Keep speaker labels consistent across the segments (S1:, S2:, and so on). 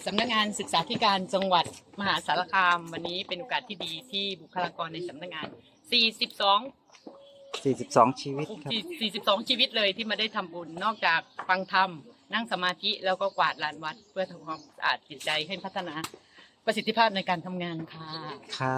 S1: สำนักงานศึกษาธิการจังหวัดมหาสารคามวันนี้เป็นโอกาสที่ดีที่บุคลากรในสำนักงาน
S2: 42 ชีวิตครับ
S1: 42 ชีวิตเลยที่มาได้ทำบุญนอกจากฟังธรรมนั่งสมาธิแล้วก็กวาดลานวัดเพื่อทำความสะอาดจิตใจให้พัฒนาประสิทธิภาพในการทำงานค่ะ
S2: ครับ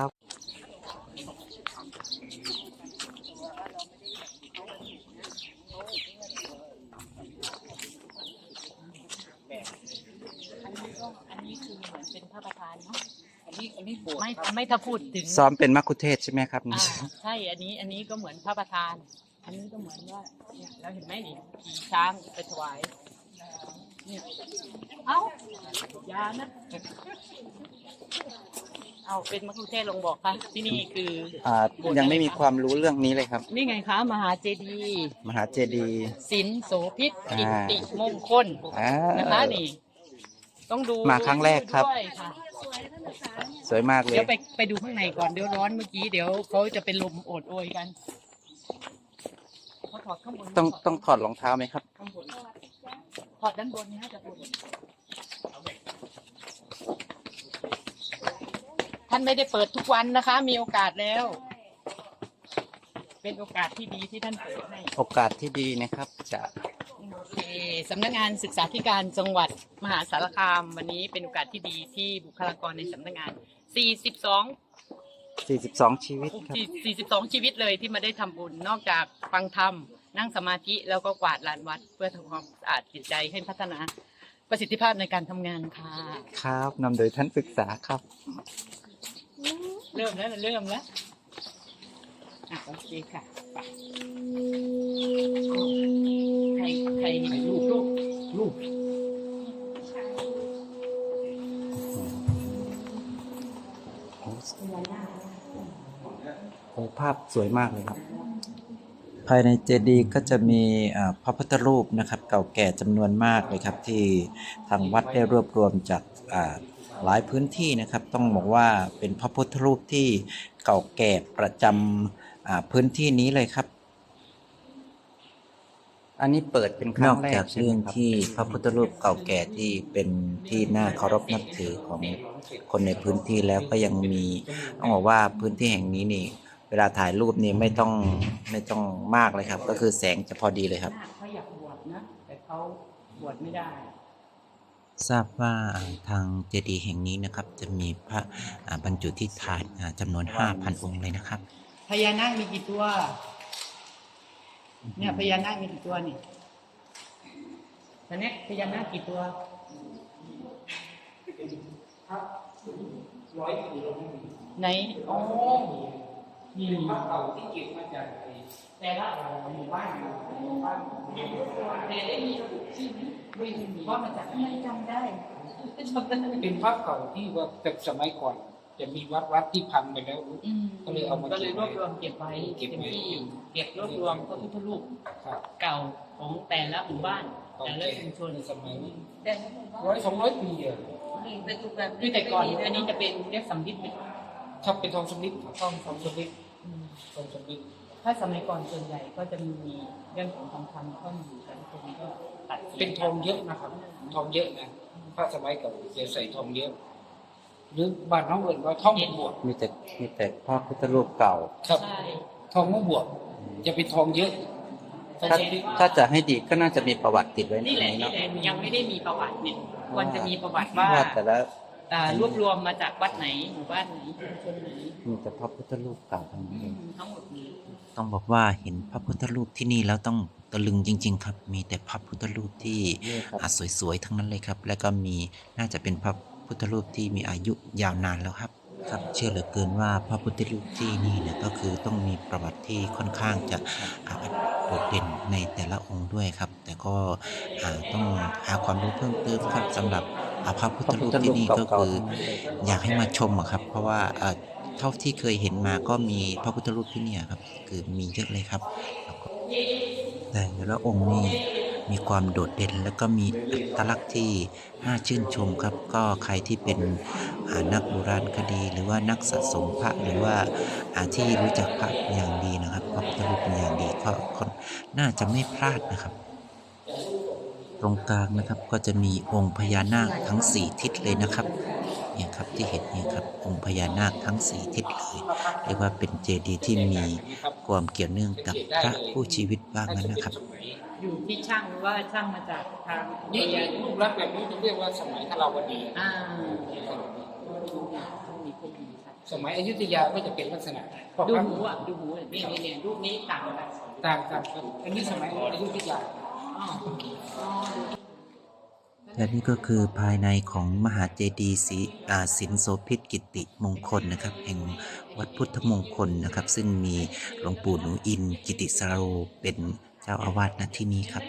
S1: อันนี้คือเหมือนเป็นพระประธานเนาะอันนี้โบสถ์ไม่ถ้าพูดถึง
S2: ซ้อมเป็นมัคคุเทศก์ใช่ไหมครับ
S1: ใช่อันนี้ก็เหมือนพระประธาน อันนี้ก็เหมือนว่าเนี่ยเราเห็นไหมนี่ขี่ช้างไปถวายเนี่ยเอ้ายานะเอาเป็นมัคคุเทศก์ลงบอกค่ะที่นี่คือ
S2: ยังไม่มีความรู้เรื่องนี้เลยครับ
S1: นี่ไงคะมหาเจดีย์
S2: มหาเจดีย์
S1: ศิลโสภิตกิตติมงคล
S2: อ่า
S1: นะคะนี่ต้องดู
S2: มาครั้งแรกครับ
S1: ด้วยค่ะ
S2: สวยมากเลย
S1: เดี๋ยวไปดูข้างในก่อนเดี๋ยวร้อนเมื่อกี้เดี๋ยวเขาจะเป็นลมโอดโอยกันเขาถอดข้างบน
S2: ต้องถอดรองเท้าไหมครับ
S1: ข้างบนถอดด้านบนนี่ฮะจะปวดท่านไม่ได้เปิดทุกวันนะคะ มีโอกาสแล้ว เป็นโอกาสที่ดีที่ท่านเปิดให้
S2: โอกาสที่ดีนะครับจะ
S1: โอเคสำนักงานศึกษาธิการจังหวัดมหาสารคามวันนี้เป็นโอกาสที่ดีที่บุคลากรในสำนักงาน
S2: 42 ชีวิตครับ
S1: 42 ชีวิตเลยที่มาได้ทำบุญนอกจากฟังธรรมนั่งสมาธิแล้วก็กวาดลานวัดเพื่อทำความสะอาดจิตใจให้พัฒนาประสิทธิภาพในการทำงานค่ะ
S2: ครับนำโดยท่านศึกษาครับ
S1: เริ่มแล้วโอเคค่ะไปใครลูก
S2: โอ้ภาพสวยมากเลยครับ ภายในเจดีย์ก็จะมีพระพุทธรูปนะครับ เก่าแก่จำนวนมากเลยครับ ที่ทางวัดได้รวบรวมจากหลายพื้นที่นะครับ ต้องบอกว่าเป็นพระพุทธรูปที่เก่าแก่ประจำพื้นที่นี้เลยครับ อันนี้เปิดเป็นครั้งแรกนอกจากเรื่องที่พระพุทธรูปเก่าแก่ที่เป็นที่น่าเคารพนับถือของคนในพื้นที่แล้วก็ยังมีต้องบอกว่าพื้นที่แห่งนี้นี่ เวลาถ่ายรูปนี่ไม่ต้องมากเลยครับ ก็คือแสงจะพอดีเลยครับ
S1: เขาอยากบวชนะแต่เขาบวชไม่ได้
S2: ทราบว่าทางเจดีย์แห่งนี้นะครับ จะมีพระบรรจุที่ฐานจำนวน 5,000 องค์เลยนะครับ
S1: พญานาคมีกี่ตัวเนี่ยพญานาคมีกี่ตัวนี่ตอนนี้พญานาคกี่ตัวไหนอ๋อนี่เก่าที่เก็บมาจากแต่ละหมู่บ้านแต่ได้มีระบุชื่อไหมไม่มีว่ามาจากไม่จำได้
S3: เป็นภาพเก่าที่ว่าแต่สมัยก่อนจะมีวัดที่พังไปแล้วก็เลยเอามา
S1: ก็เลยรวบรวมเก็บไว้เป็นที่เก็บรวบรวมพระพุทธรูป
S3: ครับ
S1: เก่าของแต่ละหมู่บ้านแต่ละชุมชน
S3: ในสมัย
S1: แต่
S3: 100-200 ปีอะ
S1: คือแต่ก่อนอันนี้จะเป็นเรียกสำลิดไหม
S3: ถ้าเป็นทองสำริดทองสำริดทองสำริด
S1: ถ้าสมัยก่อนส่วนใหญ่ก็จะมีเรื่องของทองคำเข้ามาอยู่แต่ละคนก็ตัด
S3: เป็นทองเยอะนะครับ ทองเยอะนะพระสมัยเก่าจะใส่ทองเยอะ หรือบ้านน้องเอิญว่าทองมะบวก
S2: มีแต่พระพุทธรูปเก่า
S3: ครับ
S1: ใช่
S3: ทองมะบวกจะเป็นทองเยอะทอง
S2: ถ้า
S3: สำริด
S2: ถ้าจะให้ดีก็น่าจะมีประวัติติดไว้ใน
S1: นี่แหละ
S2: นี้
S1: นี่
S2: เนาะ
S1: แหละยังไม่ได้มีประวัติเนี่ยควรจะมีประวัติว่า
S2: ว่าแต่ละ
S1: รวบรวมมาจากวัดไหนหมู่บ้านไหนชุมชนไหน
S2: มีแต่พระพุทธรูปเก่าทั้งนั้นเลย
S1: ทั้งหมดนี้
S2: ต้องบอกว่าเห็นพระพุทธรูปที่นี่แล้วต้องตะลึงจริง ๆ ครับ มีแต่พระพุทธรูปที่สวยๆทั้งนั้นเลยครับ แล้วก็มีน่าจะเป็นพระพุทธรูปที่มีอายุยาวนานแล้วครับ ครับเชื่อเหลือเกินว่าพระพุทธรูปที่นี่เนี่ยก็คือต้องมีประวัติที่ค่อนข้างจะโดดเด่นในแต่ละองค์ด้วยครับ แต่ก็ต้องหาความรู้เพิ่มเติมครับสำหรับพระพุทธรูปที่นี่ก็คืออยากให้มาชมอะครับ เพราะว่าเท่าที่เคยเห็นมาก็มีพระพุทธรูปที่นี่ครับคือมีเยอะเลยครับแต่ละองค์นี่มีความโดดเด่นแล้วก็มีอัตลักษณ์ที่น่าชื่นชมครับ ก็ใครที่เป็นนักโบราณคดีหรือว่านักสะสมพระหรือว่าที่รู้จักพระเป็นอย่างดีนะครับพระพุทธรูปเป็นอย่างดีก็น่าจะไม่พลาดนะครับตรงกลางนะครับก็จะมีองค์พญานาคทั้ง4ทิศเลยนะครับเนี่ยครับที่เห็นเนี่ยครับองค์พญานาคทั้ง4ทิศเลยเรียกว่าเป็นเจดีย์ที่มีความเกี่ยวเนื่องกับพระคู่ชีวิตบ้างนั้นนะครับ
S1: อยู่ที่ช่างหรือว่าช่างมาจากทาง
S3: นี่
S1: เรียน
S3: รูปลักษณ์แบบนี้จะเรียกว่าสมัยทราวดี
S1: อ่ามีคนดีครับ
S3: สมัยอยุธยาก็จะเป็นลักษณะ
S1: ดูหูอ่ะดูหูนี่เนี่ยรูปนี้ต่างกัน
S3: ต่างกันครับอันนี้สมัยอยุธยา
S1: อ๋ออ๋อ
S2: และนี่ก็คือภายในของมหาเจดีย์สินโสภิตกิติมงคลนะครับ แห่งวัดพุทธมงคลนะครับ ซึ่งมีหลวงปู่หนูอินกิติสโรเป็นเจ้าอาวาสณที่นี้ครับ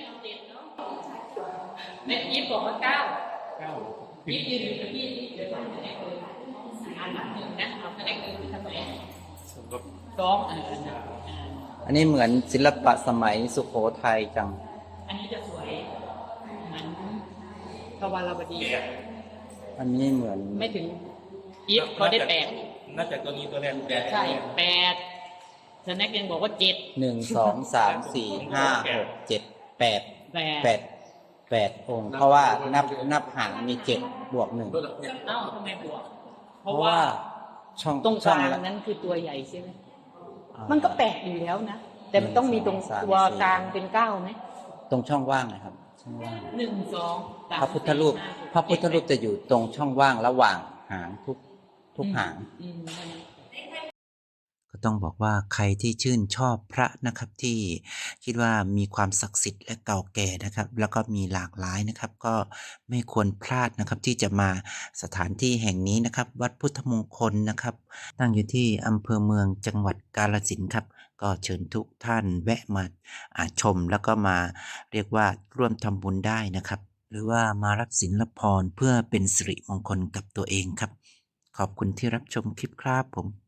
S1: เนี่ยยิบบอกว่าเก้ายิบยืนอยู่กับพี่เดี๋ยวทำคะแนนเลยอันหนึ่งนะเอาคะแนนเลยทำไมสองอันนั้น
S2: อันนี้เหมือนศิลปะสมัยสุโขทัยจัง
S1: อันนี้จะสวยเหมือนทวารวดี
S2: อันนี้เหมือน
S1: ไม่ถึงยิบเขาได้แปด
S4: น่าจะตัวนี้ตัวแรกแปด
S1: ใช่แปดสแน็คยังบอกว่าเจ็ด
S2: 1 2 3 4 5 6 7 8
S1: แปด
S2: 8องค์ เพราะว่านับหางมี7บวก1
S1: เอ้าทำไมบวกเพ
S2: เพ
S1: ราะ
S2: ราะ
S1: ว่า
S2: ว่าช่อง
S1: ตรงก
S2: ช่อ
S1: ลาง
S2: ละ
S1: นั้นคือตัวใหญ่ใช่ไหม
S2: อ่า
S1: มันก็แปดอยู่แล้วนะ แต่มันต้องมีตรง
S2: 1 2 3
S1: ตัวกลางเป็นเก้าไหม
S2: ตรงช่องว่างนะครับช่องว่าง
S1: หนึ่งสองสาม
S2: พระพุทธรูป
S1: สี่ห้าหก
S2: พระพุทธรูปจะอยู่ตรงช่องว่างระหว่างหางทุกหาง
S1: อืม
S2: ก็ต้องบอกว่าใครที่ชื่นชอบพระนะครับที่คิดว่ามีความศักดิ์สิทธิ์และเก่าแก่นะครับ แล้วก็มีหลากหลายนะครับ ก็ไม่ควรพลาดนะครับที่จะมาสถานที่แห่งนี้นะครับ วัดพุทธมงคลนะครับ ตั้งอยู่ที่อำเภอเมืองจังหวัดกาฬสินธุ์ครับ ก็เชิญทุกท่านแวะมาชมแล้วก็มาเรียกว่าร่วมทำบุญได้นะครับ หรือว่ามารับศีลรับพรเพื่อเป็นสิริมงคลกับตัวเองครับ ขอบคุณที่รับชมคลิปครับผม